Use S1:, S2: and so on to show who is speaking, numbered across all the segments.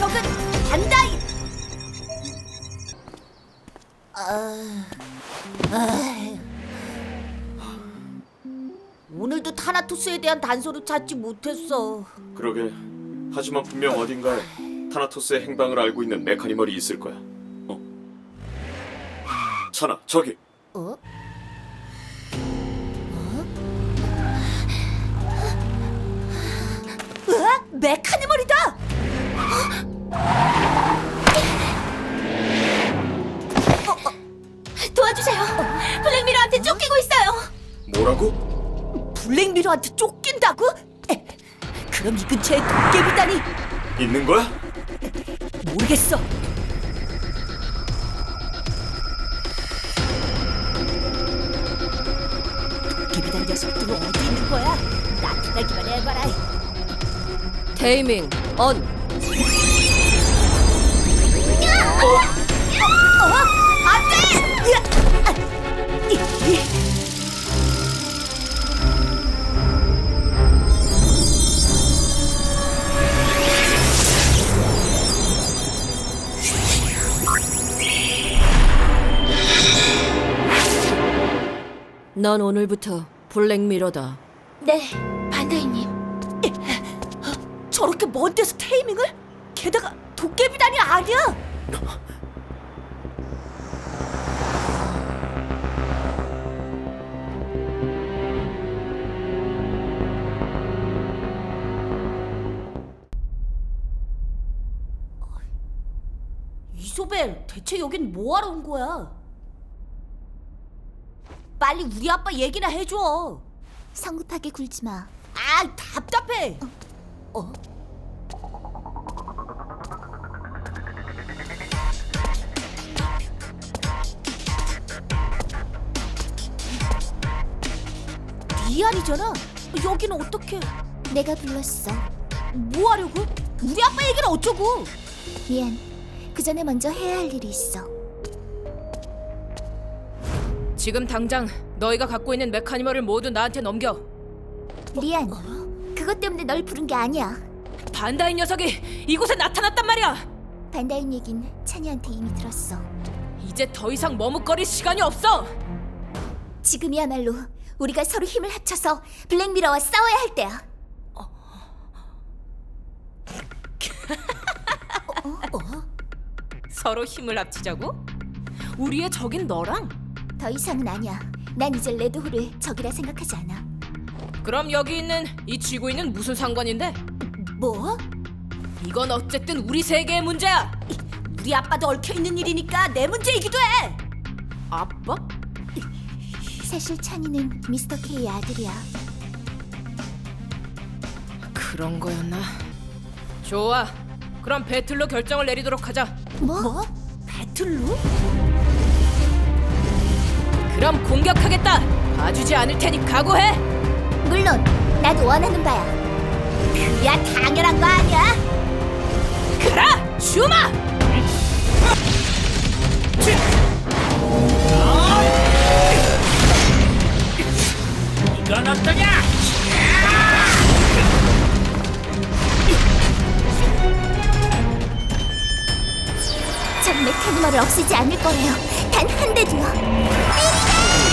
S1: 적은 반다이. 오늘도 타나토스에 대한 단서를 찾지 못했어.
S2: 그러게. 하지만 분명 어딘가에 타나토스의 행방을 알고 있는 메카니멀이 있을 거야. 찬아, 저기.
S1: 어? 으악! 메카니멀이다! 도와주세요. 블랙미러한테 쫓기고 있어요.
S2: 뭐라고?
S1: 블랙미러한테 쫓긴다고? 그럼 이 근처에 도깨비단이
S2: 있는 거야?
S1: 모르겠어. 도깨비단 녀석들은 어디 있는 거야? 나타나기만 해봐라.
S3: 테이밍 언.
S1: 안돼!
S3: 넌 오늘부터 블랙미러다.
S1: 네, 반다이님. 저렇게 먼 데서 테이밍을? 게다가 도깨비단이 아니야. 이소벨, 대체 여긴 뭐하러 온 거야? 빨리 우리 아빠 얘기나 해줘.
S4: 성급하게 굴지 마.
S1: 아, 답답해. 리안이잖아. 여기는 어떻게?
S4: 내가 불렀어.
S1: 뭐 하려고? 우리 아빠 얘기는 어쩌고?
S4: 미안. 그 전에 먼저 해야 할 일이 있어.
S3: 지금 당장 너희가 갖고 있는 메카니멀을 모두 나한테 넘겨.
S4: 리안, 그것 때문에 널 부른 게 아니야.
S3: 반다이 녀석이 이곳에 나타났단 말이야.
S4: 반다인 얘긴 찬이한테 이미 들었어.
S3: 이제 더 이상 머뭇거릴 시간이 없어.
S4: 지금이야말로 우리가 서로 힘을 합쳐서 블랙미러와 싸워야 할 때야.
S3: 서로 힘을 합치자고? 우리의 적인 너랑?
S4: 더 이상은 아니야. 난 이제 레드홀을 적이라 생각하지 않아.
S3: 그럼 여기 있는 이 지구인은 무슨 상관인데?
S1: 뭐?
S3: 이건 어쨌든 우리 세계의 문제야.
S1: 우리 아빠도 얽혀 있는 일이니까 내 문제이기도 해.
S3: 아빠?
S4: 사실 찬이는 미스터 K의 아들이야.
S3: 그런 거였나? 좋아. 그럼 배틀로 결정을 내리도록 하자.
S1: 뭐? 배틀로?
S3: 그럼 공격하겠다. 봐주지 않을 테니 각오해.
S4: 물론 나도 원하는 바야.
S1: 그야 당연한 거 아니야?
S3: 그라 슈마!
S5: 이건 어떠냐?
S4: 적 메카니멀을 없애지 않을 거래요. 단 한 대도요.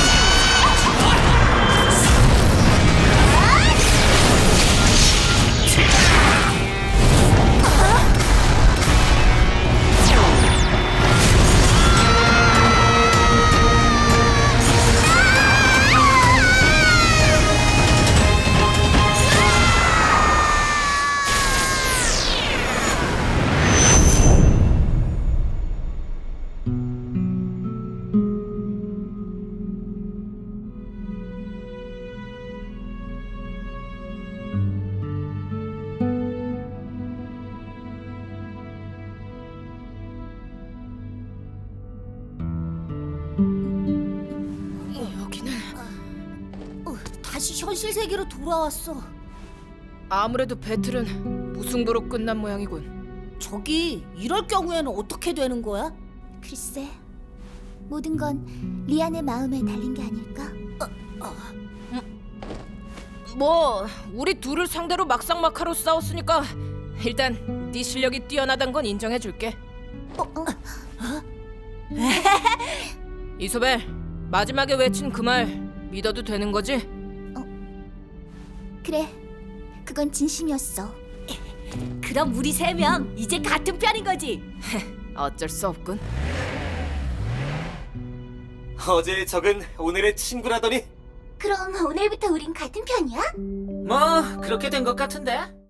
S3: 여기는
S1: 다시 현실 세계로 돌아왔어.
S3: 아무래도 배틀은 무승부로 끝난 모양이군.
S1: 저기 이럴 경우에는 어떻게 되는 거야?
S4: 글쎄, 모든 건 리안의 마음에 달린 게 아닐까?
S3: 뭐 우리 둘을 상대로 막상막하로 싸웠으니까 일단 네 실력이 뛰어나단 건 인정해줄게. 이소벨, 마지막에 외친 그 말 믿어도 되는 거지?
S4: 그래, 그건 진심이었어.
S1: 그럼 우리 3명 이제 같은 편인 거지.
S3: 어쩔 수 없군.
S6: 어제의 적은 오늘의 친구라더니
S4: 그럼 오늘부터 우린 같은 편이야?
S5: 뭐 그렇게 된 것 같은데.